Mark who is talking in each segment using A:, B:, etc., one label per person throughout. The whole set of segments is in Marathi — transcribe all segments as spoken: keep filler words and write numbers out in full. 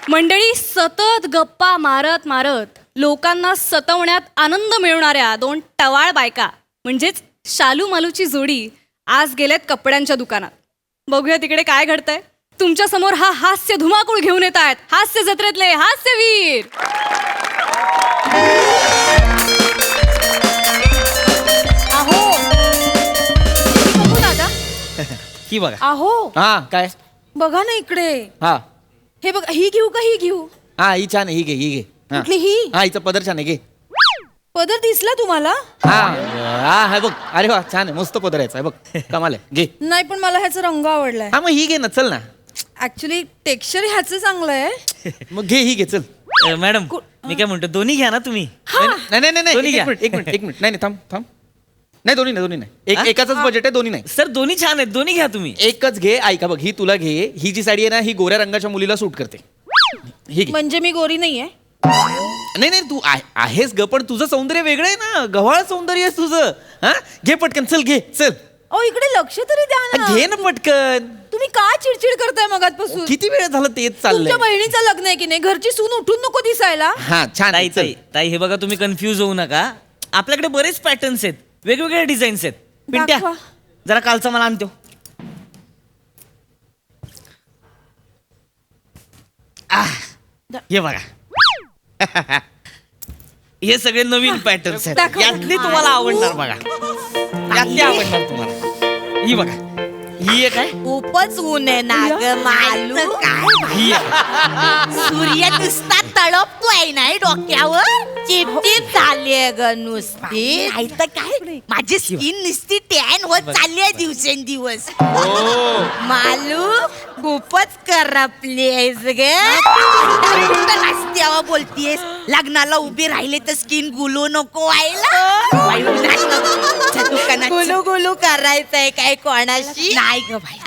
A: मंडळी, सतत गप्पा मारत मारत लोकांना सतवण्यात आनंद मिळवणाऱ्या दोन टवाळ बायका म्हणजेच शालू मालूची जोडी आज गेलेत कपड्यांच्या दुकानात. बघूया तिकडे काय घडतंय. तुमच्या समोर हा हास्य धुमाकूळ घेऊन येत आहेत हास्य जत्रेतले हास्यवीर. अहो बघू दादा,
B: ही बघा.
A: अहो
B: हा काय
A: बघा ना इकडे.
B: हा
A: हे बघा, ही घेऊ का ही घेऊ?
B: हा ही छान आहे, ही घे ही घे. हा.
A: कुठली ही?
B: हा हिचा पदर छान आहे, घे.
A: पदर दिसला तुम्हाला?
B: हा हा हा बघ, अरे वा छान आहे, मस्त पदर याचा आहे बघ, कमाल आहे, घे.
A: नाही पण मला ह्याचा रंग आवडलाय.
B: हा मग ही घे ना, चल ना.
A: ऍक्च्युली टेक्स्चर ह्याचं चांगलं आहे.
B: मग घे ही घे, चल.
C: अ, मॅडम मी काय म्हणतो, दोन्ही घ्या ना तुम्ही.
B: नाही नाही नाही
C: दोन्ही
B: एक
C: घ्या.
B: मिनिट एक मिनिट एक मिनिट नाही नाही थांब थांब नाही दोन्ही नाही दोन्ही नाही एक
C: हा?
B: एकाच बजेट आहे, दोन्ही नाही.
C: सर दोन्ही छान आहेत, दोन्ही घ्या तुम्ही.
B: एकच घे. ऐका बघ, ही तुला घे. ही जी साडी आहे ना, ही गोऱ्या रंगाच्या मुलीला सूट करते. ही घे.
A: म्हणजे मी गोरी नाहीये?
B: नाही नाही तू आहे- आहेस ग, पण तुझं सौंदर्य वेगळं आहे ना, गव्हाळ सौंदर्य आहे तुझं. हा घे पटकन, चल घे चल.
A: ओ इकडे लक्ष तरी द्या ना.
B: घे ना पटकन.
A: तुम्ही का चिडचिड करताय मगातपासून?
B: किती वेळ झालं तेच चाललंय.
A: तुमच्या बहिणीचं लग्न आहे की नाही? घरची सून उठून नको दिसायला.
B: हा छान
C: ताई
B: आहे, चल.
C: ताई ताई हे बघा, तुम्ही कन्फ्यूज होऊ नका. आपल्याकडे बरेच पॅटर्न्स आहेत, वेगवेगळे डिझाईन्स आहेत. पिंट्या
A: दाखवा.
C: जरा कालचा मला आणतो. आह, हे बघा. हे सगळे नवीन पॅटर्न्स आहेत.
A: दाखवा.
C: यातली तुम्हाला आवडणार बघा. यातली आवडणार तुम्हाला. ही बघा, ही एक आहे.
D: खूपच ऊन आहे ना ग मालू. काय
C: ही आहे.
D: सूर्य नुसता तळपतोय नाही डोक्यावर. चिपचिप झालीये ग नुसती. नाही तर काय, माझी स्किन नुसती टॅन होत चालली आहे दिवसेंदिवस. मालू खूपच करपली आहेस ग. रस्त्यावर बोलतीयस, लग्नाला उभी राहिले तर स्किन गुलू नको व्हायला. दुकानात गुलू गुलू करायचंय काय कोणाशी? नाही ग भाई.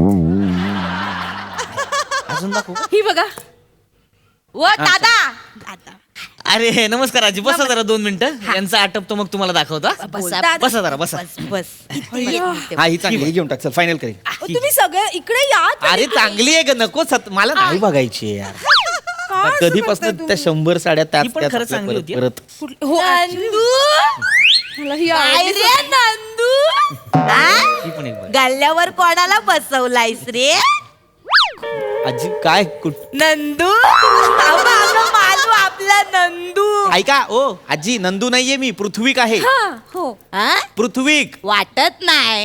C: अजून दाखवू का?
A: ही बघा.
D: व दादा दादा
C: अरे नमस्कार आजी, बसा जरा दोन मिनिटं. यांचा आटपतो मग तुम्हाला दाखवतो. हा?
D: बसा.
C: बसा जरा बसा.
D: बस बस
B: हा ही चांगली, ही घेऊन टाक, चल फायनल करेल.
A: ओ, तुम्ही सगळे इकडे या तरी.
B: अरे चांगली आहे ग, नको सत मला नाही बघायची आहे यार.
A: का असं
B: कधीपासून
A: करताय
B: त्या
A: तुम्ही?
B: शंभर साड्या त्याच
C: ही पण
B: त्याच
C: खरं
B: आपल्या
C: चांगली
B: परत
C: होती.
B: परत.
A: कुठली- हो actually मला ही
D: काय
A: आवडली.
D: रे नंदू? हा?
C: ही पण एक बघा.
D: गल्ल्यावर कोणाला बसवलायस रे?
B: आजी काय कुठ
D: नंदू अहो, आपलं मालू, आपला नंदू.
B: ऐका ओ आजी, नंदू नाहीये मी, पृथ्वीक आहे.
A: हा हो.
D: हा?
B: पृथ्वीक.
D: वाटत नाही.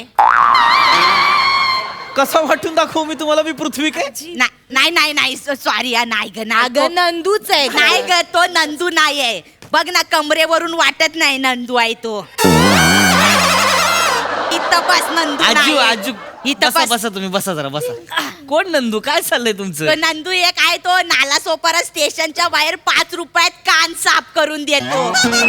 B: कसं वाटून दाखवू मी तुम्हाला, मी पृथ्वीक आहे?
D: ना- नाही नाही नाही सॉरी नाही ग ना ग नंदूच आहे. नाही ग, तो नंदू नाही आहे. बघ ना, कमरेवरून वाटत नाही नंदू आहे तो. इथं बस, नंदू
C: आजू
D: नाही.
C: आजू
D: इथं
C: बसा
D: बस.
C: बसा तुम्ही, बसा जरा बसा. कोण नंदू, काय चाललंय
D: तो
C: तुमचं?
D: नंदू एक आहे, तो नाला सोपारा स्टेशनच्या बाहेर पाच रुपयात कान साफ करून देतो.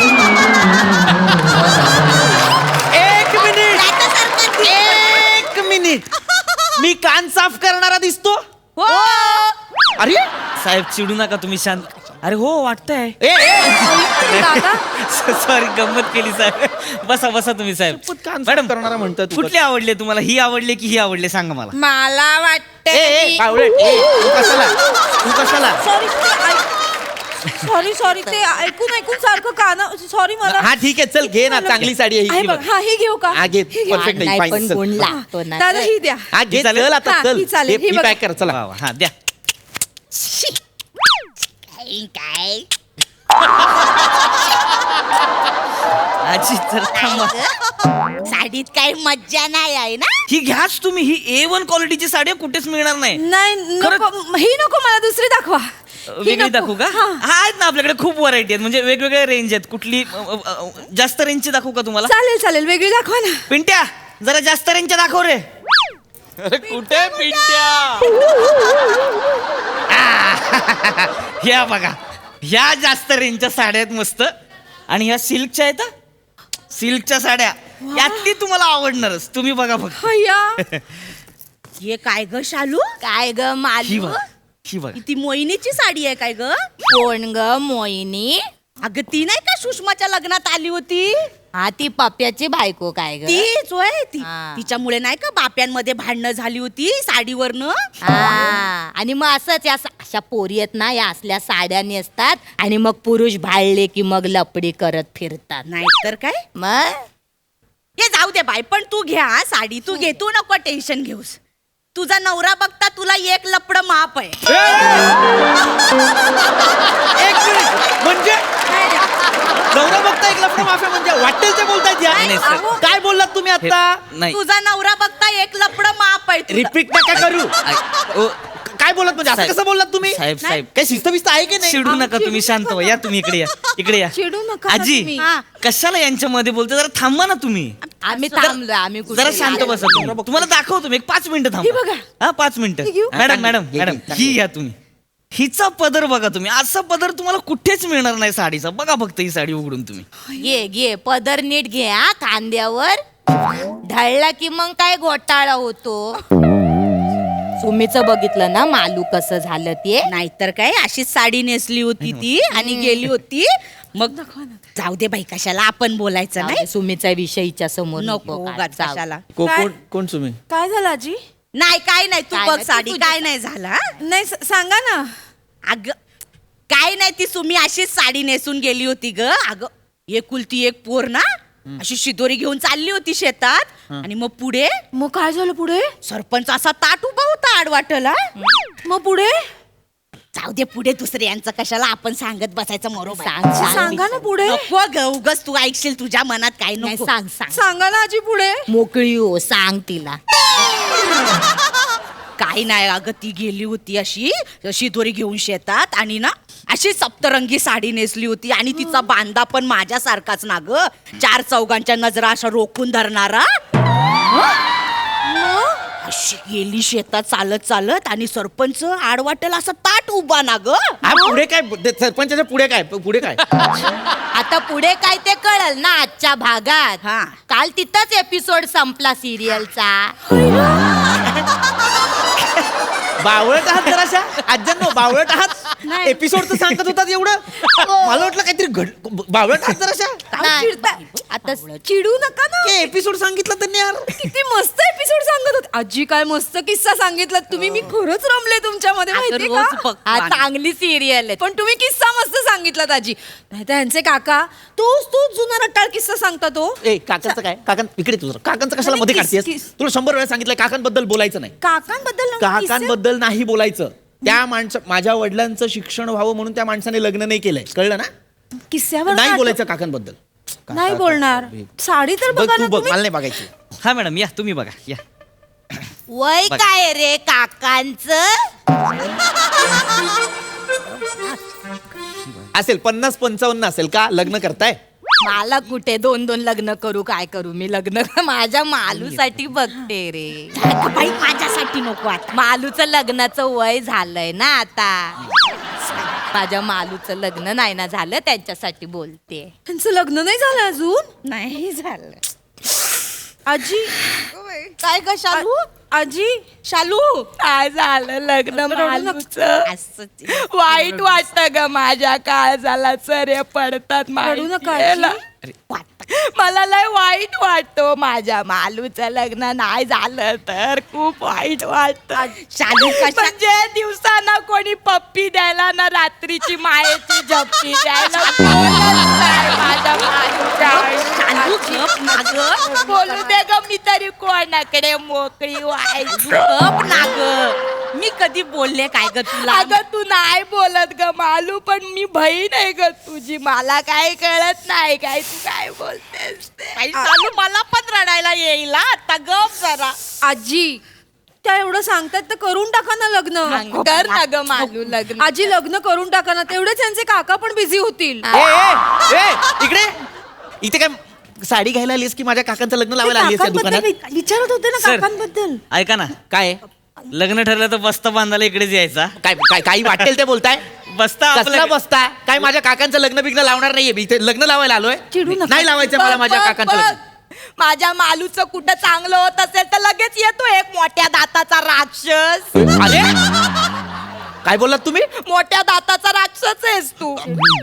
B: एक मिनिट
D: त्याच्यासारखं दिसतो.
B: एक मिनिट मी कान साफ करणारा दिसतो?
D: हो.
B: अरे
C: साहेब चिडू नका तुम्ही, शांत. अरे हो वाटतंय.
B: ए, ए,
A: दादा
C: सॉरी, गंमत केली साहेब. बसा बसा तुम्ही साहेब.
B: शपथ कान साफ
C: मॅडम
B: करणारा म्हणतात तू.
C: कुठले आवडले तुम्हाला? ही आवडले की ही आवडले, सांगा मला.
D: मला
B: ए,
D: वाटतं
B: ए, बावळट, ए, तू कशाला तू कशाला
A: सॉरी सॉरी सॉरी ते ऐकून ऐकून सारखं कान. सॉरी मला.
B: हा ठीक आहे, चल घे ना, चांगली साडी आहे
A: आहे
B: ही
A: बघ.
B: बघ.
A: हा ही घेऊ का?
B: हा घे,
A: ही घेऊ.
B: perfect आहे,
D: नाही
B: fine,
D: पण
B: चल.
D: गुण लागतो ना.
A: दादा ही द्या.
B: हा घे,
C: चालेल?
B: चल आता
A: हा,
B: चल.
A: ही चालेल,
B: हे-
A: ही
B: ही
A: बघा.
B: पॅक कर, चला.
C: वा वा, हा द्या.
D: काय
C: आजी तर थांबा.
D: साडीत काही मज्जा नाही आहे ना.
C: ही घ्याच तुम्ही, ही ए वन क्वालिटीची साडी आहे, कुठेच मिळणार नाही.
A: नाही नको, ही नको, मला दुसरी दाखवा. ही
C: वेगळी
A: नको.
C: दाखवू का?
A: हा.
C: हा आहेत ना आपल्याकडे खूप व्हरायटी आहेत, म्हणजे वेगवेगळे रेंज आहेत. कुठली अ, अ, अ, जास्त रेंजची दाखवू का तुम्हाला?
A: चालेल चालेल, वेगळी दाखवा ना.
C: पिंट्या जरा जास्त रेंजच्या दाखव रे.
B: अरे कुठे पिंट्या?
C: ह्या बघा, ह्या जास्त रेंजच्या साड्या आहेत मस्त. आणि ह्या सिल्कच्या आहेत हा. सिल्कच्या साड्या यातली तुम्हाला आवडणारच. तुम्ही बघा फक्त.
A: हय्या.
D: हे काय ग शालू? काय ग
C: ही
D: मालू?
C: बघा, ही बघा.
D: ती मोहिनीची साडी आहे काय ग? कोण ग मोहिनी? अगं ती नाही का सुषमाच्या लग्नात आली होती? हा ती पप्प्याची बायको काय ग
E: तीच होय ती
D: हा.
E: तिच्यामुळे नाही का बाप्यांमध्ये भांडणं झाली होती साडीवरनं.
D: हा आणि मग असंच या सा- अशा पोरी आहेत ना या असल्या साड्या नेसतात आणि मग पुरुष भाळले की मग लपडी करत फिरतात
E: नाहीतर काय
D: मग
E: हे जाऊ दे बाय, पण तू घ्या हा साडी, तू घे, तू नको टेन्शन घेऊस. तुझा नवरा बघता तुला एक लपड माप आहे.
B: एक मिनिट म्हणजे नवरा बघता एक लफडं माफिया म्हणजे वाटेल ते बोलतायत या.
C: नाही, सर.
E: अहो,
B: काय बोललात तुम्ही
C: हे-
B: आता?
C: नाही
E: तुझा नवरा बघता एक लपड माप आहे तुझं.
B: रिपीट नका करू.
C: ऐ- ओ,
B: काय बोलत म्हणजे असं
C: साहेब.
B: कसं बोललात तुम्ही?
C: साहेब साहेब
B: काय शिस्त बिस्त आहे की नाही?
C: चिडू नका तुम्ही, शांत व्हा. या तुम्ही इकडे या इकडे या
A: चिडू नका ना
C: आजी
A: तुम्ही.
E: हा.
C: कशाला यांच्यामध्ये बोलते, जरा थांबा ना तुम्ही.
D: आम्ही थांबलोय आम्ही कुठे
C: जरा शांत बसा तुम्ही. तुम्हाला दाखवतो मी एक पाच मिनिटं थांबा. हा पाच मिनिटं मॅडम मॅडम
B: घे,
C: मॅडम
B: घे,
C: ही घ्या तुम्ही. हिचा पदर बघा तुम्ही, असा पदर तुम्हाला कुठेच मिळणार नाही साडीचा. बघा फक्त ही साडी उघडून तुम्ही.
D: घे घे पदर नीट घे हा खांद्यावर ढळला की मग काय घोटाळा होतो. सुमीचं बघितलं ना मालू कसं झालं ते.
E: नाहीतर काय अशीच साडी नेसली होती ती आणि गेली होती. मग जाऊ दे बाई, कशाला आपण बोलायचं नाही.
D: नाही सुमीचा विषयीच्या समोर
E: नको
D: काढ,
E: उगाच
D: जाऊ.
E: कशाला.
B: को- कोण कोण तुम्ही?
A: काय झालं आजी?
E: नाही काय नाही, तू
D: काय
E: बघ
D: नाही, तू
E: साडी,
D: तुझी-
E: काय नाही झालं हा?
A: नाही स- सांगा ना.
E: अग काय नाही, ती सुमी अशीच साडी नेसून गेली होती ग. अगं एकुलती एक पोर ना, अशी शिदोरी घेऊन चालली होती शेतात. आणि मग पुढे
A: मग काय झालं पुढे?
E: सरपंच असा ताट उभा होता आडवाटला.
A: मग पुढे
E: जाऊ दे पुढे दुसऱ्यांचं कशाला आपण सांगत बसायचं मरोबर.
D: सांग, सांग.
A: सांगा ना पुढे.
E: नको ग उगच तू ऐकशील तुझ्या मनात काय
D: नाही,
E: नको.
D: सांग सांग
A: सांगा ना आजी पुढे.
D: मोकळी हो सांग तिला.
E: काही नाही अगं, ती गेली होती अशी शिदोरी घेऊन शेतात आणि ना अशी सप्तरंगी साडी नेसली होती आणि तिचा बांधा पण माझ्यासारखाच ना ग, चार चौघांच्या नजरा अशा रोखून धरणारा. अशी गेली शेतात चालत चालत आणि सरपंच आडवाटेला असा ताट उभा ना ग.
B: हा पुढे काय ते सरपंचाच्या पुढे काय पुढे काय?
D: आता पुढे काय ते कळल ना आजच्या भागात.
E: हा.
D: काल तिथंच एपिसोड संपला सिरियलचा.
B: बावळट आहात जराशा आज्यांनो, बावळट आहात. एपिसोड तर सांगत होतात एवढं, मला वाटलं काहीतरी घड बावळट आहात जराशा.
D: नाही, आता
A: चिडू नका ना.
B: एपिसोड सांगितलं त्यांनी यार.
A: किती मस्त एपिसोड सांगत होते आजी. काय मस्त किस्सा सांगितला तुम्ही. मी खरंच रमले तुमच्यामध्ये
E: अगं,
A: माहिती
E: रोज
A: का?
E: बघ.
D: हा चांगली सिरियल आहे.
A: पण तुम्ही किस्सा मस्त सांगितलात आजी. नाही तर ह्यांचे काका तोच तोच जुना रट्टाळ किस्सा सांगता तो.
B: ए काकांचं काय? काकां इकडे तुझं काकांचं कशाला
A: अरे,
B: मध्ये
A: किस-
B: काढतेस?
A: किस-
B: तुला शंभर वेळा सांगितलं काकांबद्दल बोलायचं नाही.
A: काकांबद्दल नव्हे किस्से?
B: काकांबद्दल नाही बोलायचं. त्या माणसं माझ्या वडिलांचं शिक्षण व्हावं म्हणून त्या माणसाने लग्न नाही केलंय, कळलं ना?
A: किस्स्यावर
B: नाही
A: नाटक-
B: बोलायचं काकांबद्दल.
A: नाही बोलणार. साडी तर
B: बघ
A: बघा
B: तू
A: ना
B: बघ,
A: तुम्ही.
B: मला नाही बघायची.
C: हा मॅडम या तुम्ही बघा या.
D: वय
C: बघ.
D: काय रे काकांच.
B: असेल पन्नास पंचावन्न असेल का? लग्न करताय?
D: मला कुठे दोन दोन लग्न करू काय करू मी लग्न माझ्या मालूसाठी बघते रे.
E: अगं बाई माझ्यासाठी नको आता.
D: मालूचं लग्नाचं वय झालंय ना आता. माझ्या मालूचं लग्न नाही ना झालं त्यांच्यासाठी बोलते.
A: त्यांचं लग्न नाही झालं अजून.
E: नाही झालं.
A: आजी
D: काय ग शालू.
A: आजी शालू
D: काय झालं लग्न मालूचं.
E: असंच.
D: वाईट वाटत ग माझ्या काळजाला चरे पडतात
A: रडू नका
D: माहितीये
A: आजी.
D: ना? मला लय वाईट वाटतो माझ्या मालूचं लग्न नाही झालं तर खूप वाईट वाटत.
E: शालू कशा
D: म्हणजे दिवसाना कोणी पप्पी द्यायला ना रात्रीची मायेची झपटी द्यायला कोणच नाही माझ्या मालूच्या
E: शालू
D: आयुष्यात.
E: गप ना ग.
D: बोलू दे ग मी तरी कोणाकडे मोकळी व्हायची.
E: गप ना ग. मी कधी बोलले काय ग तुला?
D: अगं तू नाही बोलत ग मालू पण मी बहीण आहे ग तुझी. मला काय कळत नाही काय तू काय बोलतेस ते.
E: बाई, शालू मला पण रडायला येईल हा. आता गप जरा.
A: आजी त्या एवढं सांगतात तर करून टाका ना लग्न.
D: कर ना ग मालू लग्न.
A: आजी लग्न करून टाका ना. तेवढेच त्यांचे काका पण बिझी होतील.
B: ए, ए, ए, इकडे इथे काय साडी घ्यायला आलीस की माझ्या काकांचं लग्न लावायला आलीस या दुकानात?
A: काकांबद्दल विचारत होते ना
C: सर.
A: काकांबद्दल.
C: ऐका ना,
B: काय
C: लग्न ठरलं तर बस्ता बांधायला इकडेच यायचा.
B: काय काय काही वाटेल ते बोलताय?
C: बस्ता
B: कसला
C: आपल्या
B: बसता? काय माझ्या काकांचं लग्न बिग्न लावणार नाहीये मी इथे लग्न लावायला आलोय.
A: चिडू नका.
B: नाही लावायचं मला
D: बघ,
B: माझ्या
D: बघ,
B: काकांचं
D: बघ.
B: लग्न.
D: माझ्या मालूचं कुठं चांगलं होत असेल तर लगेच येतो एक मोठ्या दाताचा राक्षस.
B: अरे काय बोललात तुम्ही?
D: मोठ्या दाताचा राक्षस आहेस तू. आपल्या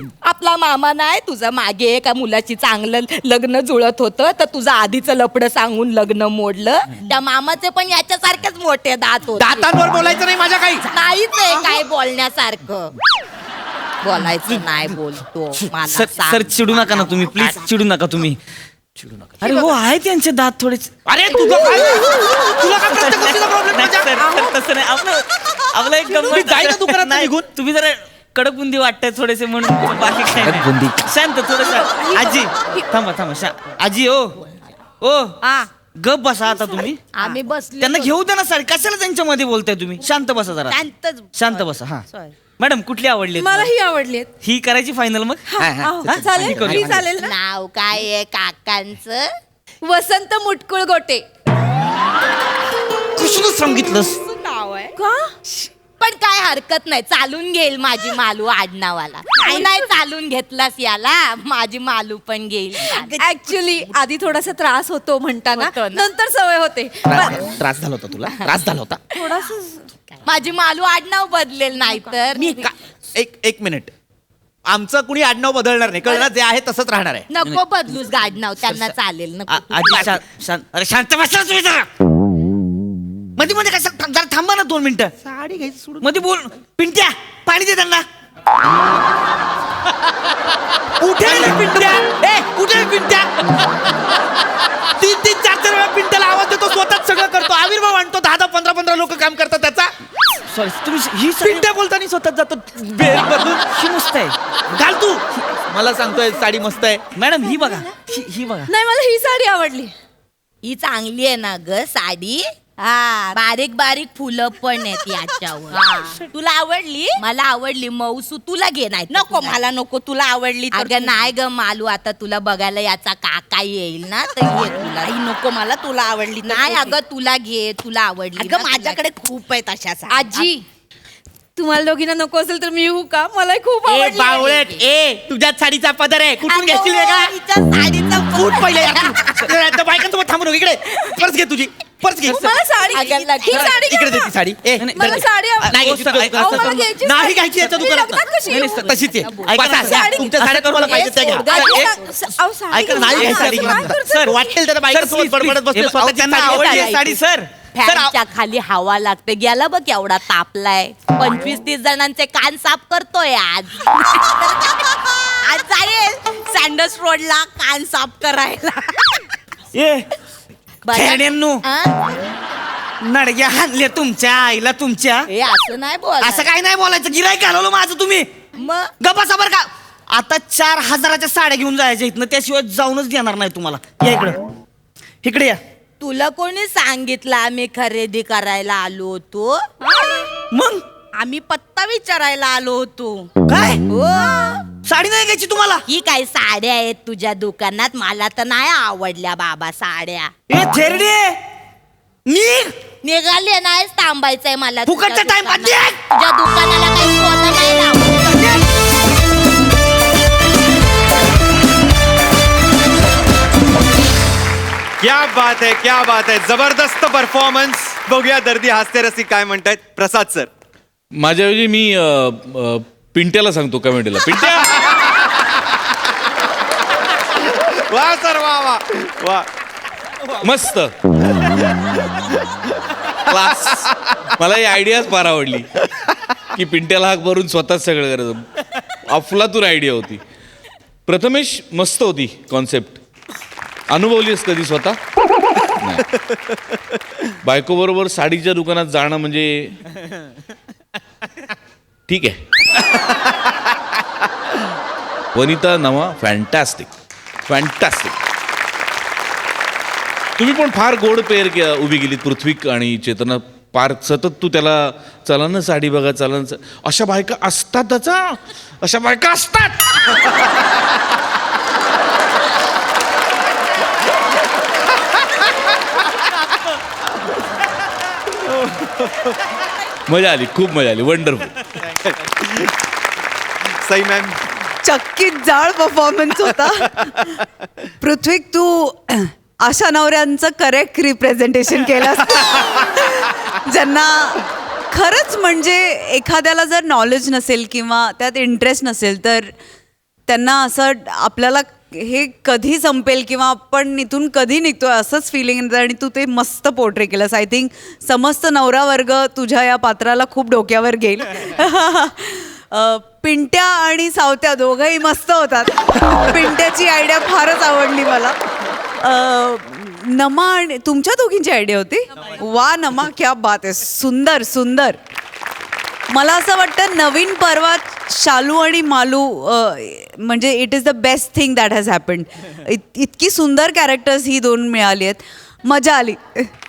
E: आपला मामा नाही तुझं मागे एका मुलाची चांगलं लग्न जुळत होतं तर तुझं आधीचं लपडं सांगून लग्न मोडलं त्या मामाचे पण याच्यासारखेच मोठे दात होते.
B: दातांवर बोलायचं नाही माझ्या काही.
E: नाहीच आहे काय बोलण्यासारखं. बोलायचं नाही बोलतो मला
C: सर
E: सांग.
C: सर चिडू नका ना तुम्ही प्लीज चिडू नका तुम्ही चिडू नका अरे हो आहे त्यांचे दात थोडे
B: अरे तुझं काय तुला काय प्रत्येक गोष्टीचा प्रॉब्लेम
C: नाही, सर, सर, तसं नाही आपलं आपलं एक
B: तुम्ही
C: गंमत
B: जाई ना दुकानात
C: नाही,
B: निघून.
C: तुम्ही जरा कडक बुंदी वाटताय थोडेसे म्हणून बाकी काय नाही.
B: बुंदी.
C: शांत थोडस आजी थांबा थांबा शा आजी ओ ओ
E: हा
C: गप बसा आता तुम्ही
E: आम्ही बसले
C: त्यांना घेऊ द्या ना सर कशाला त्यांच्यामध्ये बोलताय तुम्ही शांत बसा जरा
E: शांतच
C: शांत बसा हा
E: Sorry.
C: मॅडम कुठली आवडली
A: मला ही आवडली
C: ही करायची फायनल मग
B: हा, हा.
C: हा?
A: चालेल
C: ही करू.
A: ही चालेल ना
E: नाव काय आहे काकांचं
A: वसंत मुटकुळ गोटे
C: कुठलं सांगितलंस
E: नाव आहे
A: का
E: पण काय हरकत नाही चालून घेईल माझी मालू आडनावाला नाही नाही चालून घेतलास याला माझी मालू पण घेईल
A: ऍक्च्युली आधी थोडासा त्रास होतो म्हणताना
E: होतो ना?
A: नंतर सवय होते
B: त्रास त्रास झाला होता तुला त्रास झाला होता
A: थोडासा
E: माझी मालू आडनाव बदलेल नाही तर
B: मी का एक एक मिनिट आमचं कुणी आडनाव बदलणार नाही कळलं जे आहे तसंच राहणार आहे.
E: नको बदलूस गाडनाव त्यांना चालेल
C: आ-
E: नको
C: आजी शा- शांत अरे शांत बसा तुम्ही जरा मध्ये मध्ये कसं थांब- जरा थांबा ना दोन मिनिटं
B: साडी घ्यायची सोडून
C: मध्ये बोल पिंट्या पाणी दे त्यांना
B: कुठे आहे रे पिंट्या ए कुठे आहे पिंट्या तीन तीन चार चार वेळा पिंट्याला आवाज देतो स्वतःच सगळं करतो आविर्भाव आणतो दहा दहा पंधरा पंधरा लोक काम करतात त्याचा
C: सॉरी तुम्ही ही साडी
B: पिंट्या बोलताना स्वतःच जातो बेल बदलून
C: ही मस्त आहे
B: घाल तू मला सांगतोय साडी मस्त आहे.
C: मॅडम ही बघा ही ही बघा
A: नाही मला ही साडी आवडली
E: ही चांगली आहे ना ग साडी हा बारीक बारीक फुलं पण आहेत याच्यावर हा. तुला आवडली मला आवडली मौसू तुला घे नाही नको मला नको तुला आवडली अगं नाही ग मालू आता तुला बघायला याचा काका येईल ना तर घे तुला ही नको मला तुला आवडली नाही अगं तुला घे तुला आवडली अगं माझ्याकडे खूप आहेत अशा साड्या.
A: आजी तुम्हाला दोघींना नको असेल तर मी येऊ का मला खूप
B: ए
A: आवडली
B: बावळट ए तुझ्याच साडीचा पदर आहे कुठून
E: अगं,
B: घेशील वेगळा
E: हिच्या साडीचा
B: फूट पहिले या बायकांसोबत थांबू नको इकडे पर्स घे तुझी पर्स घे
A: मला साडी
E: अगं,
A: ही साडी
B: इकडे दे
A: घ्या
B: ती साडी ए
C: नाही,
A: मला
B: दे.
A: साडी आव-
B: नाही
C: अहो,
B: घ्यायची
C: सर,
B: तुला-
C: ऐका,
A: अहो, मला घ्यायची
B: नाही
A: साडी.
B: घ्यायची याच्या
A: मी
B: दुकानात
A: लग्नात कशी
B: नाही,
A: येऊ?
B: नाही, तशीच आहे
C: ऐका
B: बसा,
C: ना,
B: घ्या.
A: साडी-
B: तुमच्या साड्या तुम्हाला पाहिजे त्या घ्या
A: गाडी-
B: ए,
A: अहो, साडी
B: ऐका नाही
A: घ्या.
B: घ्यायची साडी
A: काय
B: घ्या.
A: करता?
B: सर वाटेल त्याला बायकांसोबत बडबडत बसते स्वतःची
C: त्यांना
B: साडी
C: आवडली
B: आहे.
C: आहे साडी सर
B: सर, आव-
E: फॅनच्या खाली हवा लागते गेला बघ एवढा तापलाय पंचवीस तीस जणांचे कान साफ करतोय आज आज जाईल सँडल्स रोडला कान साफ करायला
C: ए
E: बघा.
C: खेड्यांनो
E: हा?
C: नडग्या हाणल्या तुमच्या आईला तुमच्या
E: हे असं नाही बोल
C: असं काय नाही बोलायचं गिराईक घालवलं माझं तुम्ही
E: मग
C: गप्पा बरं का आता चार हजाराच्या साड्या घेऊन जायच्या इथनं त्याशिवाय जाऊनच देणार नाही तुम्हाला या इकडं इकडे या
E: तुला कोणी सांगितलं आम्ही खरेदी करायला आलो होतो
C: मग
E: आम्ही पत्ता विचारायला आलो होतो
C: काय
E: हो
C: साडी नाही घ्यायची तुम्हाला
E: ही काय साड्या आहेत तुझ्या दुकानात मला तर नाही आवडल्या बाबा साड्या
C: ए थेरडे निघ
E: निघाले नाही थांबायचंय मला तुझ्या
C: फुकटचा time
E: दुकानात.
C: बंद आहे.
E: तुझ्या दुकानाला काही सोनं नाही लावलं.
F: क्या बात है क्या बात है जबरदस्त परफॉर्मन्स बघूया दर्दी हास्य रसिक काय म्हणतायत प्रसाद सर
G: माझ्याऐवजी मी अ, अ, पिंट्याला सांगतो कमेंटला पिंट्या
F: वा सर वा वा वा
G: मस्त क्लास मला ही आयडियाच फार आवडली की पिंट्याला हाक भरून स्वतःच सगळं करायचं अफलातून आयडिया होती प्रथमेश मस्त होती कॉन्सेप्ट अनुभवलीस कधी स्वतः बायको बरोबर साडीच्या दुकानात जाणं म्हणजे ठीक आहे वनिता नवा फॅन्टॅस्टिक फॅन्टॅस्टिक तुम्ही पण फार गोड पेर के उभी गेलीत पृथ्वीक आणि चेतना फार सतत तू त्याला चला ना साडी बघा चला ना सा-" अशा बायका असतातच हा. अशा बायका असतात मजा आली खूप मजा आली वंडरफुल
F: सई मॅम
H: चक्कीत जाळ परफॉर्मन्स होता पृथ्वीक तू अशा नवऱ्यांचं करेक्ट रिप्रेझेंटेशन केलं ज्यांना खरंच म्हणजे एखाद्याला जर नॉलेज नसेल किंवा त्यात इंटरेस्ट नसेल तर त्यांना असं आपल्याला हे कधी संपेल किंवा आपण इथून कधी निघतोय असंच फिलिंग येतं आणि तू ते मस्त पोर्ट्रे केलंस. आय थिंक समस्त नवरा वर्ग तुझ्या या पात्राला खूप डोक्यावर घेईल. अ, पिंट्या आणि सावत्या दोघंही मस्त होतात. पिंट्याची आयडिया फारच आवडली मला. अ, नमा आणि तुमच्या दोघींची आयडिया होती. वा नमा, क्या बात आहे. सुंदर सुंदर. मला असं वाटतं नवीन पर्वात शालू आणि मालू अ, म्हणजे it is the best thing that has happened. इतकी सुंदर कॅरेक्टर्स ही दोन मिळाली आहेत. मजा आली.